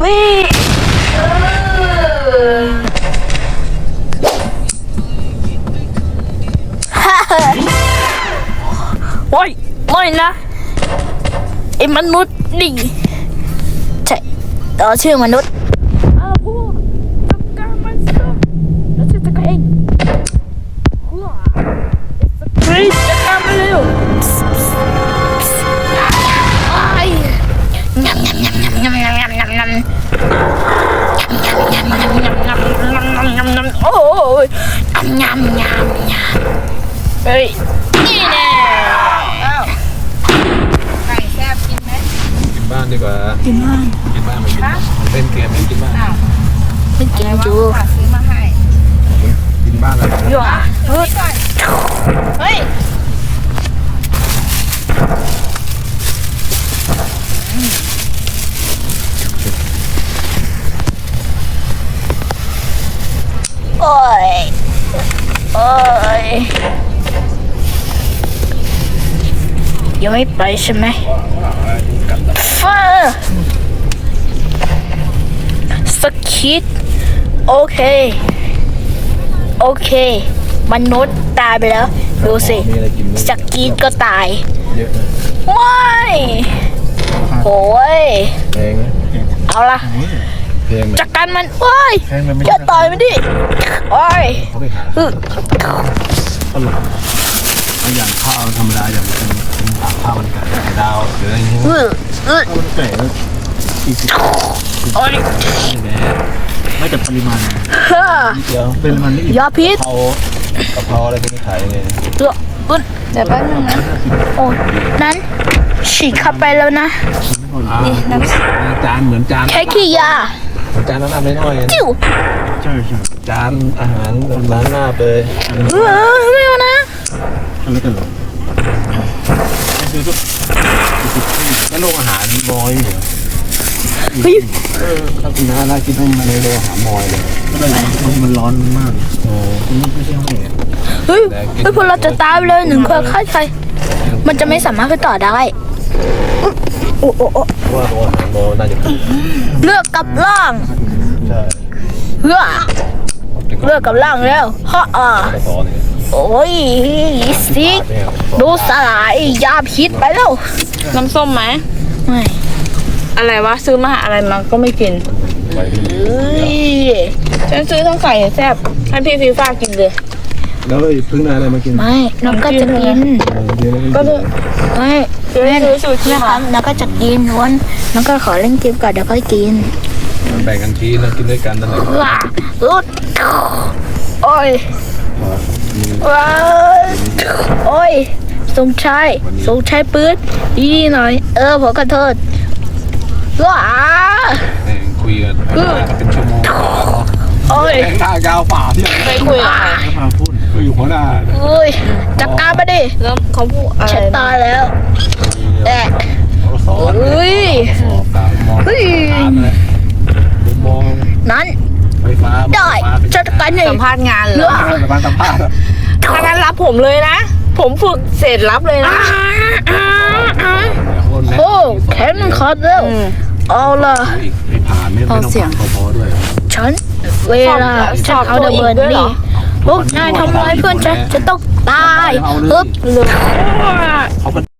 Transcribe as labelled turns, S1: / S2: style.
S1: วิ่งโอ้ยไม่นะไอ้มนุษย์นี่ใช่ต่อชื่อมนุษย์พวกจัดการมันซะแล้วฉันจัดการเองกรีดจัดการมันเร็วโอ้ยเฮ้ยนี่แน่
S2: ไก่แซ่บกินไหม
S3: กินบ้านดีกว่า
S1: กินบ้าน
S3: กินบ้านมากินเล่นเกมกินบ้าน
S1: ไม่กินจู
S2: ฝากซื้อมาให้
S3: กินบ้านอะไร
S1: อยู่อ่ะ
S2: เฮ้ยก่อนเฮ้ย
S1: โอ้ยโอ้ยยังไม่ไปใช่ไหมฟ้าสกิดโอเคโอเคมนุษย์ตายไปแล้วดูสิ
S3: มีอะไรกิน
S1: สกิดก็ตาย
S3: เยอะนะ
S1: ว้ายโอ้ย
S3: แพงนะ
S1: เอาละ
S3: แพงไหม
S1: จัดการมันโอ้ย
S3: แพงมันไม่
S1: อย่าต่อยมันดิโอ้ย
S3: เขาไปหาตลกเอาอย่างข้าวธรรมดาอย่างเป็นข้าวมันไก่ไข่ดาวหรืออะไรอย่างเงี้ย
S1: อือ
S3: ข้าวมันไก่แล้ว40
S1: โอ้ย
S3: แม่ไม่แต่ปริมาณ
S1: ฮ่า
S3: นิดเดียวเป็นมันนี่
S1: ยาพิษ
S3: กะเพราอะไรพวกนี้ขายยังไง
S1: ตัวอึน
S2: เดี๋ยวแป๊บนึงนะ
S1: โอ้นั้นฉีกเข้าไปแล้วนะ
S3: จานเหมือนจาน
S1: แค่ขี้ยา
S3: จานน้ำน้อยๆ
S1: จิ้ว
S3: ใช่จานอาหารร้านหน้าเลย
S1: ไม่เอานะ
S3: อะไรกันหรอแล้วโรงอาหารมอยเหรอ
S1: เฮ้ย
S3: ถ้ากินน่ากินต้องมาในโรงอาหารมอยเลยมันร้อนมากโอ้ไม่ใช่ห้องเอง
S1: เฮ้ยพวกเราจะตายไปเลยหนึ่งคนฆ่าใครมันจะไม่สามารถไปต่อได้โอ้โอ้โอ้
S3: ว่าโรงอาหารมอน่าจะ
S1: เลือกกับล่าง
S3: ใช่
S1: เลือกกับล่างแล้วฮ่า
S3: ไปต่อเนี่ย
S1: โอ้ยสิดูสลายยาพิษไปแล้ว
S2: น้ำส้มไหม
S1: ไม่
S2: อะไรวะซื้อมาอะไรมาก็ไม่กิน
S3: ไปที่
S1: เอ้ย
S2: ฉันซื้อทั้งไก่แซ่บให้พี่ฟีฟ่ากินเลย
S3: แล้วพึ่งได้อะไรมากิน
S1: ไม่น้องก็จะกิน
S2: ก็เลย
S1: ไม่
S2: ซื้อซูชิ
S1: นะค
S2: มา
S1: รับน้องก็จะกินวันน้องก็ขอเล่นเกมก่อนเดี๋ยวค่อยกิน
S3: แบ่งกันกินแล้วกินด้วยกันนั่นแหละ
S1: ว้าลุดโอ้ยว้าโอ้ยสงชัยปืนดีหน่อยผมขอโทษว้า
S3: คุยกันเป็นชั่วโมง
S1: โอ้ย
S3: แข่งท่ายาวฝ่าที่
S2: ไปคุยกับใคร
S3: พาพูดก็อยู่หัวหน้า
S1: โอ้ยจัดการมาดิ
S2: แล้วเขาพูดอะไร
S1: ฉันตายแล้วแอะ
S3: สอน
S1: เฮ้ย
S3: ตามมอง
S1: เฮ้ย
S3: เลยมอง
S1: นั้น
S3: ไฟฟ้า
S1: ได้จัดการหนึ่ง
S2: สัมภาษณ์งานเหรอ
S3: มาสัมภาษณ์
S2: ถ้างั้นรับผมเลยนะ ผมฝึกเสร็จรับเลยนะ
S1: โอ้แขนมันขาดแล้วเอาล่ะ
S3: ไม่ผ่านไม่ต้องผ่านพอด้วย
S1: ฉันเวลาฉันเอาระเบิดนี่พวกนายทำร้ายเพื่อนฉันจะต้องตายฮึบ
S2: หรือ
S3: เขา